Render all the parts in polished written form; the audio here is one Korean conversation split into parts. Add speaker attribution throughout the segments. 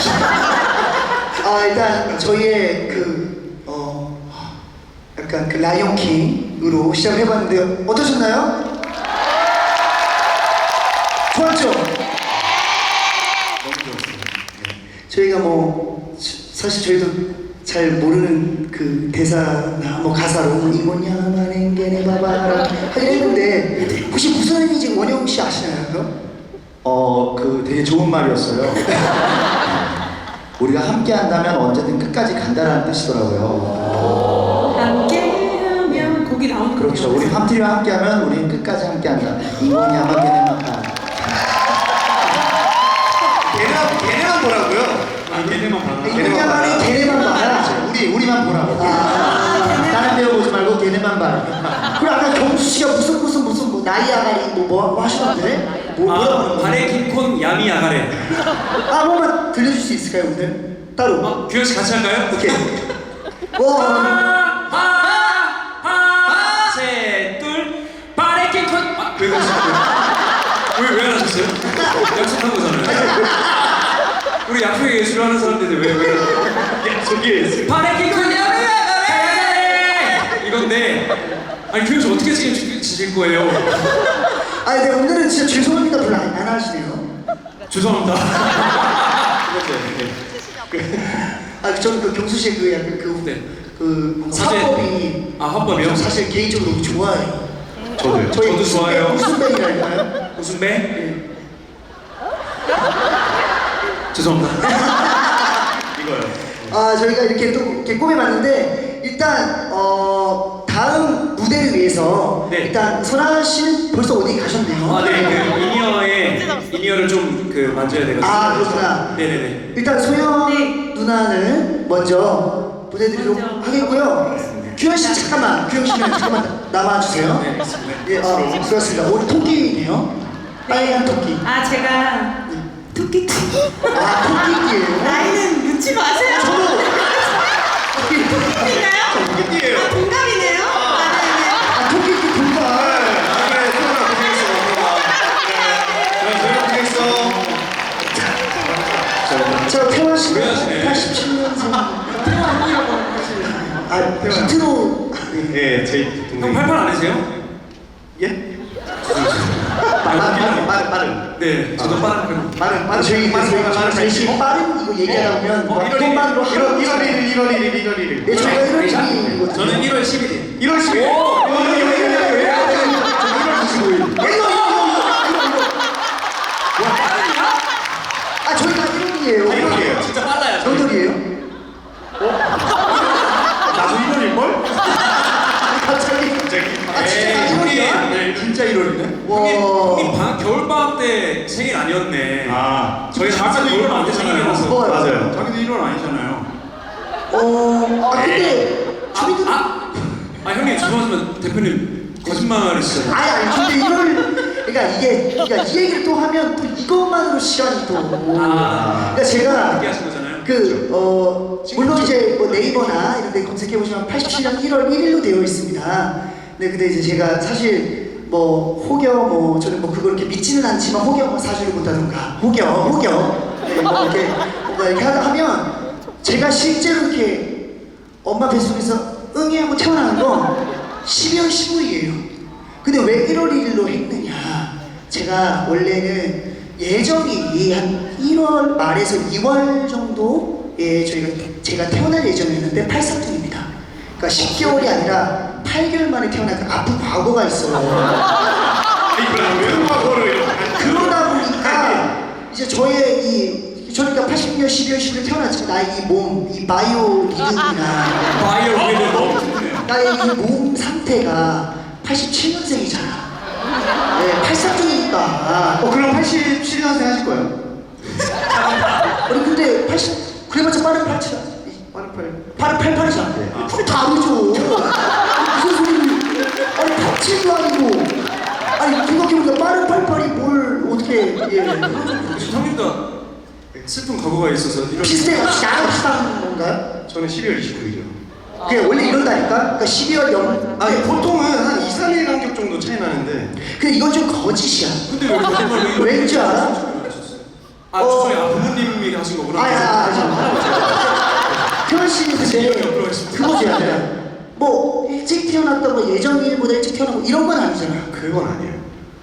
Speaker 1: 일단 저희의 약간 그 라이온킹으로 시작을 해봤는데요. 어떠셨나요? 좋았죠?
Speaker 2: 너무 좋았어요.
Speaker 1: 저희가 사실 저희도 잘 모르는 그 대사나 가사로 이거냐만 앵게네 바바라 하긴 했는데 혹시 무슨 의미인지 원영 씨 아시나요? 그거?
Speaker 2: 그 되게 좋은 말이었어요. 우리가 함께 한다면 언제든 끝까지 간다라는 뜻이더라고요.
Speaker 3: 함께하면 곡이 나오는 거예요.
Speaker 2: 그렇죠. 우리 함티와 함께하면 우리는 끝까지 함께한다. 이거냐만 걔네만 가.
Speaker 4: 걔네만 보라고요? 걔네만 봐라.
Speaker 1: 이거냐만이 걔네만 봐라.
Speaker 2: 우리만 보라고. 다른 배우 보지 말고 걔네만 봐라.
Speaker 1: 그리고 아까 경수 씨가 무슨 나이아가리 뭐 하시던데? 뭐라고
Speaker 4: 발에 긴콘 야미 야가래.
Speaker 1: 한번만 들려줄 수 있을까요 오늘? 따로.
Speaker 4: 규현 씨 같이 할까요?
Speaker 1: 오케이.
Speaker 4: 하나, 셋, 둘, 발에 긴콘. 왜 그러셨어요? 왜 안 하셨어요? 약속한 거잖아요. 우리 약속의 예술을 하는 사람들인데 왜? 약속의 예술. 발에 긴콘 야미 야가래. 이건데, 아니 규현 씨 어떻게 지실 거예요?
Speaker 1: 근데 오늘은 진짜 죄송합니다 별로 안 하시네요.
Speaker 4: 죄송합니다.
Speaker 1: 저는 그 경수 씨의 그 약간
Speaker 4: 사실-
Speaker 1: 화법이
Speaker 4: 화법이요?
Speaker 1: 사실 개인적으로 너무 좋아해요.
Speaker 4: 저도 좋아해요.
Speaker 1: 무슨 밴이랄까요?
Speaker 4: 무슨 배? 죄송합니다. 이거요.
Speaker 1: 저희가 이렇게 또 이렇게 꾸며봤는데 일단 다음 무대를 위해서
Speaker 4: 네.
Speaker 1: 일단 선아 씨는 벌써 어디 가셨네요.
Speaker 4: 네, 그 이니어를 좀 만져야 되거든요.
Speaker 1: 그렇구나.
Speaker 4: 네네네.
Speaker 1: 일단 소연
Speaker 3: 네.
Speaker 1: 누나는 먼저 보내드리도록
Speaker 3: 먼저
Speaker 1: 하겠고요. 규현 씨 잠깐만 남아주세요.
Speaker 4: 네, 알겠습니다.
Speaker 1: 예, 수고하셨습니다. 오늘 토끼네요. 빨간 토끼.
Speaker 3: 제가 토끼
Speaker 1: 토끼띠예요.
Speaker 3: 나이는 묻지 마세요. 토끼인가요?
Speaker 4: 토끼띠예요.
Speaker 3: 동갑이네요.
Speaker 1: 토끼띠 분발. 저 태화 씨는
Speaker 4: 오래하시네.
Speaker 1: 87년생. 비트로.
Speaker 4: 네, 형 88 아니세요?
Speaker 2: 예? 빠른.
Speaker 4: 네, 저도 빠른 편.
Speaker 1: 저희 빠른 이거 얘기하다 보면 한번만으로
Speaker 2: 1월 1일.
Speaker 1: 네, 저희가 1월 1일이거든요.
Speaker 4: 저는 1월 11일.
Speaker 2: 1월 10일.
Speaker 4: 오!
Speaker 2: 1월 25일.
Speaker 1: 저희가 1월이에요.
Speaker 2: 1월이에요.
Speaker 4: 진짜 빨라요.
Speaker 1: 몇 월이에요?
Speaker 2: 나도 1월일걸?
Speaker 1: 갑자기. 진짜
Speaker 4: 형님,
Speaker 1: 네.
Speaker 2: 진짜 1월이네?
Speaker 4: 형님 겨울방학 때 생일 아니었네. 저희 작가도 1월 안 되잖아요.
Speaker 1: 뭐요?
Speaker 2: 맞아요.
Speaker 4: 자기도 1월 아니잖아요.
Speaker 1: 근데 저희도
Speaker 4: 형님 죄송하지만 대표님 거짓말이시잖아요.
Speaker 1: 근데 그러니까 그러니까 이 얘기를 또 하면 또 이것만으로 시간이 또. 그러니까 제가
Speaker 4: 늦게 하신 거잖아요.
Speaker 1: 물론 이제 네이버나 이런 데 검색해 보시면 87년 1월 1일로 되어 있습니다. 네, 근데 이제 제가 사실 혹여 저는 그걸 이렇게 믿지는 않지만 혹여 사주를 본다던가 혹여 네, 이렇게 뭔가 이렇게 하면 제가 실제로 이렇게 엄마 뱃속에서 응애 하고 태어나는 건 12월 15일이에요. 근데 왜 1월 1일로 했느냐? 제가 원래는 예정일이 한 1월 말에서 2월 정도에 제가 태어날 예정이었는데 83입니다. 그러니까 10개월이 아니라 8개월 만에 태어난 아픈 과거가 있어요. 그러다 보니까 이제 저희가 80년 12월 10일 태어났지만 나의 이 바이오 리듬이나
Speaker 4: 바이오 리듬 너무 좋네요.
Speaker 1: 나의 이 몸 상태가 87년생이잖아. 네, 83중이니까.
Speaker 2: 그럼 87년생 하실 거예요?
Speaker 1: 근데 그래봤자 빠른 87. 빠른 88이잖아. 그게 다르죠. 무슨 소리를. 87도 아니고. 생각해보니까 빠른 88이 뭘 어떻게.
Speaker 4: 형님도 슬픈 과거가 있어서 이런.
Speaker 1: 나랑 비슷한 건가요?
Speaker 2: 저는 12월 29일이요.
Speaker 1: 그게 원래 이런다니까? 그러니까 12월
Speaker 2: 보통은 한 2, 3일 간격 정도 차이 나는데.
Speaker 1: 근데 이건 좀 거짓이야.
Speaker 4: 근데 왜 거짓말로
Speaker 1: 왠지 알아?
Speaker 4: 죄송해요. 부모님이 하신 거구나.
Speaker 1: 태연 씨는 근데
Speaker 4: 옆으로 하겠습니다.
Speaker 1: 그거지 아니야. 뭐 일찍 태어났다 뭐 예정일보다 일찍 태어나고 이런 건 아니잖아.
Speaker 2: 그건 아니에요.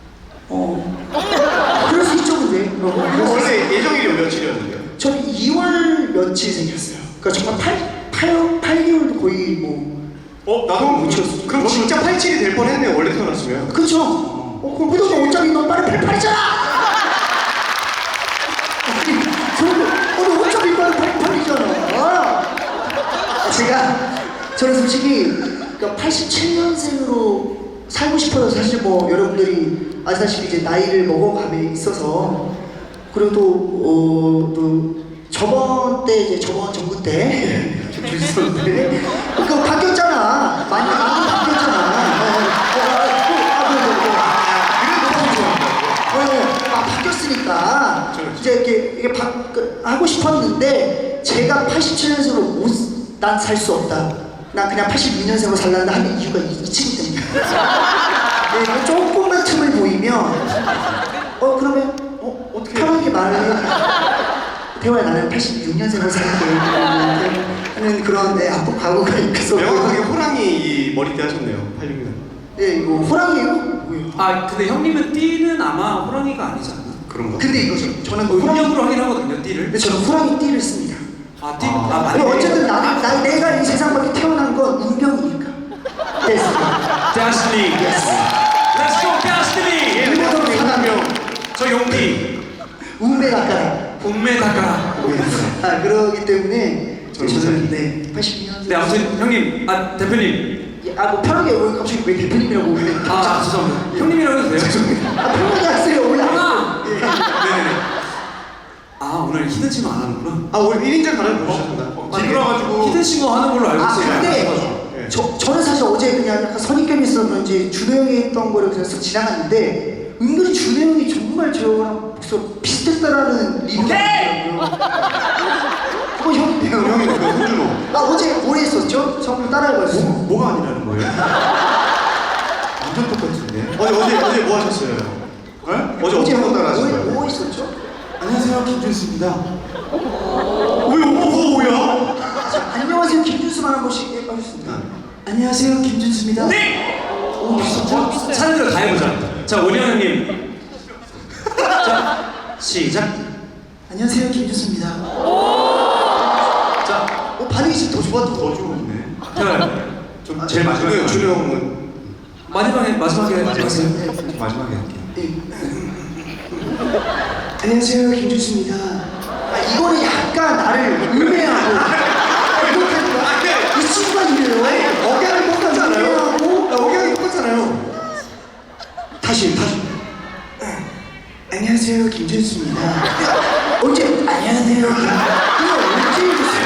Speaker 1: 그럴 수 있죠 근데.
Speaker 2: 원래 예정일이 며칠이었는데요?
Speaker 1: 저는 2월 며칠 생겼어요. 그러니까 정말 8개월도 거의 뭐.
Speaker 2: 나도 못 치웠어. 그럼 진짜 87이 될 뻔했네요. 원래 태어났으면.
Speaker 1: 그쵸? 그럼 그래도 어차피 넌 빨리 88이잖아! 저는 어차피 빨리 88이잖아. 저는 솔직히 87년생으로 살고 싶어요. 사실 뭐 여러분들이 아시다시피 이제 나이를 먹어감에 있어서 그래도 또 저번 때 이제 저번 정부 때 주셨는데 그거 바뀌었잖아. 많이 바뀌었잖아. 바뀌었으니까 이제 이게 하고 싶었는데 제가 87년생으로 난 살 수 없다. 난 그냥 82년생으로 살란다 하는 이유가 이 친구 때문에. 네, 조금만 틈을 보이면 그러면 어떻게 편하게 말을 해. 태호야 나는 86년생으로 살게 하는 그런 아픈 과거가 있어서
Speaker 2: 명확하게 호랑이 이 머리띠 하셨네요. 86년.
Speaker 1: 네 이거 호랑이에요? 뭐예요?
Speaker 4: 아 근데 형님은 띠는 아마 호랑이가 아니지 않나?
Speaker 2: 그런가?
Speaker 1: 근데 이거죠. 저는
Speaker 4: 음력으로 하긴 하거든요 띠를.
Speaker 1: 근데 저는 호랑이 띠를 씁니다.
Speaker 4: 아 띠?
Speaker 1: 근데 어쨌든 내가 이 세상 밖에 태어난 건 운명이니까. 됐습니다.
Speaker 4: Destiny. Let's go Destiny.
Speaker 1: 일본어로 얘기하면
Speaker 4: 저 용띠.
Speaker 1: 운매 닦아라.
Speaker 4: 운매 닦아라.
Speaker 1: 그러기 때문에
Speaker 2: 저는
Speaker 1: 네 82년생.
Speaker 4: 네 아무튼 형님 대표님.
Speaker 1: 뭐 편하게 왜 갑자기 왜 대표님이라고 왜?
Speaker 4: 죄송합니다. 형님이라고 해도 돼요?
Speaker 1: 편하게 하세요. 원래
Speaker 4: 하나.
Speaker 1: 예.
Speaker 4: 네네네. 오늘 히든 싱어 안 하는구나.
Speaker 2: 오늘 1인자 가는 거 보셨습니다. 뒤돌아가지고
Speaker 4: 히든 싱어 하는 걸로 알고 있어요.
Speaker 1: 근데 저는 사실 어제 그냥 약간 선입견이 있었는지 준호 형이 했던 거를 그냥 쓱 지나갔는데 은근히 준호 형이 정말 저랑 목소리 비슷했다라는 리뷰가 있더라고요. 그거 형인데요.
Speaker 2: 형이 그 홍준호.
Speaker 1: 나 어제 뭘 했었죠? 저 한번 따라해봤어요.
Speaker 2: 뭐가 아니라는 거예요? 완전 똑같은데. 어제 뭐 하셨어요? 네? 어제 어떤 날 하셨어요?
Speaker 1: 뭐 있었죠?
Speaker 2: 안녕하세요, 김준수입니다. 뭐야?
Speaker 1: 안녕하세요 김준수만 한 번씩 해봐주셨습니다.
Speaker 2: 안녕하세요, 김준수입니다.
Speaker 4: 네. 사람들 다 해보자. 자 원희 형님. 자 시작.
Speaker 1: 안녕하세요 김준수입니다.
Speaker 4: 자
Speaker 1: 반응이 지금 더 좋았던 거.
Speaker 2: 더 좋네.
Speaker 4: 태어요. 좀 제일 마지막에.
Speaker 2: 준호 형은
Speaker 4: 마지막에 하세요.
Speaker 2: 마지막에 할게요.
Speaker 1: 네. 안녕하세요 김준수입니다. 이거는 약간 나를 음해하고 이렇게 이 친구가 이래요.
Speaker 2: 억양이 똑같잖아요.
Speaker 1: 음해하고
Speaker 2: 억양이 똑같잖아요.
Speaker 1: 다시 안녕하세요 김준수입니다. 언제 안녕하세요 이거 언제 해줬어요?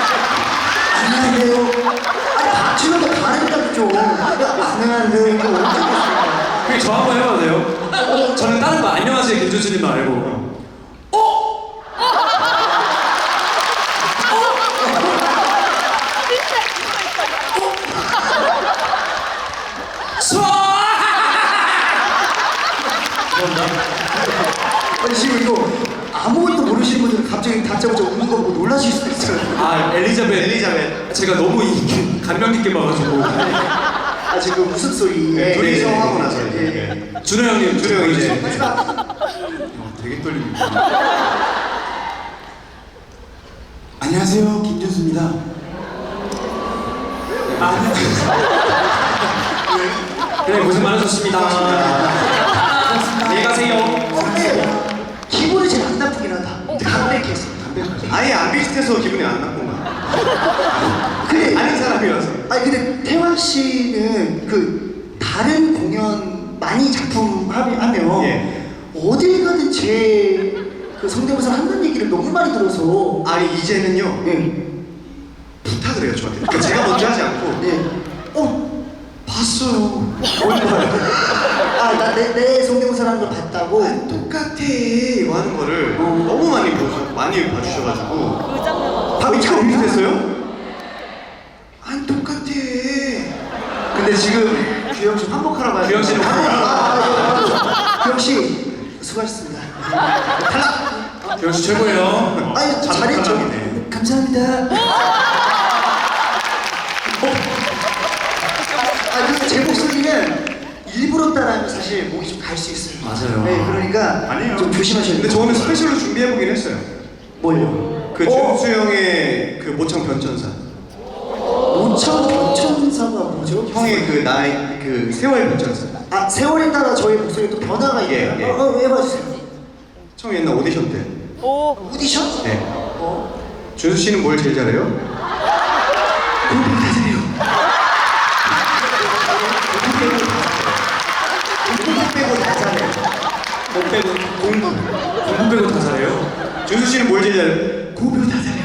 Speaker 1: 안녕하세요. 박준호도 다른다고 좀 안녕하세요 이거 언제 해줬어요?
Speaker 4: 그게 저 한번 해봐도 돼요? 저는 다른 거 안녕하세요 김준수님 말고.
Speaker 1: 아니 지금 이거 아무것도 모르시는 분들은 갑자기 다짜고짜 우는 거 보고 놀라실 수도 있어요.
Speaker 4: 엘리자벳. 제가 너무 감명 깊게 봐가지고.
Speaker 1: 지금 웃음소리.
Speaker 2: 둘이서 하고 나서
Speaker 1: 예.
Speaker 4: 준호 형님.
Speaker 2: 준호 형 이제.
Speaker 1: 마지막.
Speaker 2: 되게 떨립니다. 안녕하세요, 김준수입니다.
Speaker 4: 네 고생 많으셨습니다. 안녕히 가세요.
Speaker 1: 기분이 제일 안 나쁘긴 하다. 담백해서.
Speaker 2: 아예 안 비슷해서 기분이 안 나쁜가?
Speaker 1: 근데
Speaker 2: 아는 사람이라서.
Speaker 1: 근데 태환 씨는 그 다른 공연 많이 작품 하면
Speaker 2: 예.
Speaker 1: 어딜 가든 그 성대모사 한다는 얘기를 너무 많이 들어서.
Speaker 2: 아니 이제는요.
Speaker 1: 예.
Speaker 2: 부탁을 해요 저한테. 그러니까 제가 먼저 하지 않고.
Speaker 1: 예.
Speaker 2: 봤어요.
Speaker 1: 내 성대모사라는 걸 봤다고?
Speaker 2: 똑같아 이거 하는 거를 너무 많이 봐주셔가지고.
Speaker 1: 밥이 잘
Speaker 2: 비슷했어요? 안 똑같아.
Speaker 1: 근데 지금 규영 씨 환복하러 가야 돼.
Speaker 4: 규영 씨는
Speaker 1: 규영 씨 수고하셨습니다.
Speaker 4: 규영 씨 최고예요.
Speaker 1: 잘했죠.
Speaker 2: 탈락이네.
Speaker 1: 감사합니다. 사실 목이 좀 갈 수 있어요.
Speaker 4: 맞아요.
Speaker 1: 네, 그러니까
Speaker 2: 아니에요.
Speaker 1: 좀 조심하셔야 돼요.
Speaker 2: 근데 저는 스페셜로 준비해보긴 했어요.
Speaker 1: 뭘요?
Speaker 2: 그 준수 형의 그 모창 변천사.
Speaker 1: 모천 변천사가 뭐죠?
Speaker 2: 형의 그 나이 그 세월 변천사.
Speaker 1: 아, 세월에 따라 저희 목소리에 또 변화가
Speaker 2: 예,
Speaker 1: 있나요?
Speaker 2: 예.
Speaker 1: 해봐주세요.
Speaker 2: 처음 옛날 오디션 때.
Speaker 1: 오디션?
Speaker 2: 네.
Speaker 1: 어?
Speaker 2: 준수 씨는 뭘 제일 잘해요?
Speaker 1: 공부 다 잘해요. 공부 빼고 다 잘해요.
Speaker 4: 뭐 빼고 공부 빼고 다 잘해요.
Speaker 2: 준수 씨는 뭘 제일 잘해요?
Speaker 1: 공부 빼고 다 잘해요.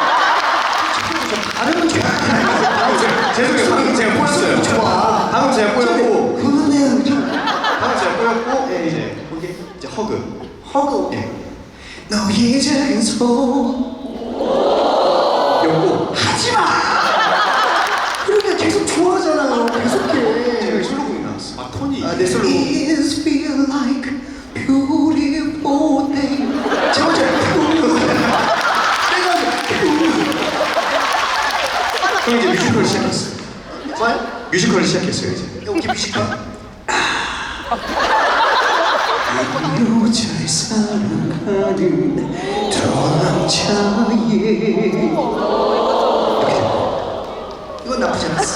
Speaker 1: 다른 거
Speaker 2: 죄송해요. 방금 제가 꼬였어요.
Speaker 1: 좋아.
Speaker 2: 방금 제가 꼬였고.
Speaker 1: 그거는 좀
Speaker 2: 방금 제가 꼬였고.
Speaker 1: 예,
Speaker 2: 이제 이제 허그.
Speaker 1: 허그.
Speaker 2: 예.
Speaker 1: 너의 작은 손
Speaker 2: 였고.
Speaker 1: 하지마. 그러니까 계속 좋아하잖아요.
Speaker 2: 제가
Speaker 1: 계속해.
Speaker 2: 솔로곡이 나왔어. 아 톤이.
Speaker 1: 아, 내 솔로. It feel like beautiful day. 제가
Speaker 2: 형 이제 뮤지컬 시작했어요.
Speaker 1: 뭐요?
Speaker 2: 뮤지컬 시작했어요 이제.
Speaker 1: 여기 뮤지컬. 여자의 사랑하는 저 남자의 이건 나쁘지 않았어.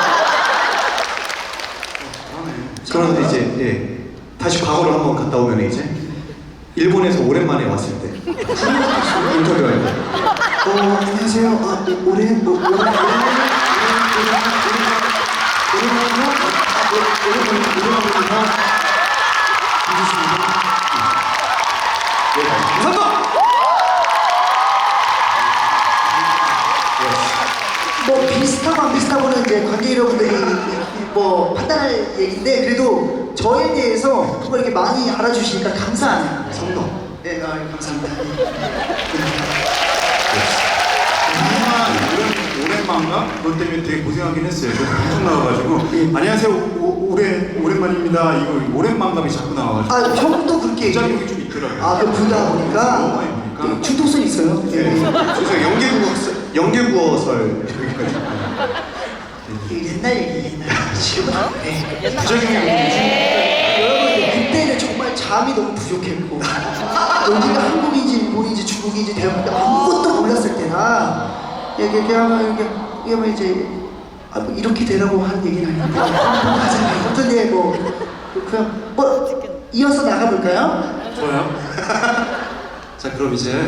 Speaker 2: 그런데 이제 예 다시 과거로 한번 갔다 오면 이제 일본에서 오랜만에 왔을 때 인터뷰할 때.
Speaker 1: 안녕하세요. 아, 뭐 비슷하고 안 비슷하고는 이제 관객 여러분들이 뭐 판단할 얘기인데 그래도 저에 대해서 그걸 이렇게 많이 알아주시니까 감사하네요.
Speaker 2: 성동.
Speaker 1: 네, 감사합니다.
Speaker 2: 오랜만가? 그것 때문에 되게 고생하긴 했어요. 저도 방송 나와가지고 안녕하세요 오랜만입니다. 이거 오랜만감이 자꾸 나와가지고
Speaker 1: 아, 형도 그렇게
Speaker 2: 부작용이 좀 있더라고요.
Speaker 1: 아, 그 보다
Speaker 2: 너무
Speaker 1: 보니까
Speaker 2: 많이 보니까.
Speaker 1: 중독성 있어요.
Speaker 2: 네. 그래서 연계구어설 여기까지.
Speaker 1: 옛날 얘기, 옛날. 지금은 안 돼.
Speaker 2: 부작용이
Speaker 1: 여러분, 그때는 정말 잠이 너무 부족했고 여기가 한국인지 일본인지 중국인지 대한민국 아무것도 몰랐을 때나 이렇게 하면 이제 아, 뭐 이렇게 되라고 하는 얘기는 아닌데 하잖아요. 아무튼 네, 뭐 그냥 뭐 이어서 나가볼까요?
Speaker 4: 좋아요. 자 그럼 이제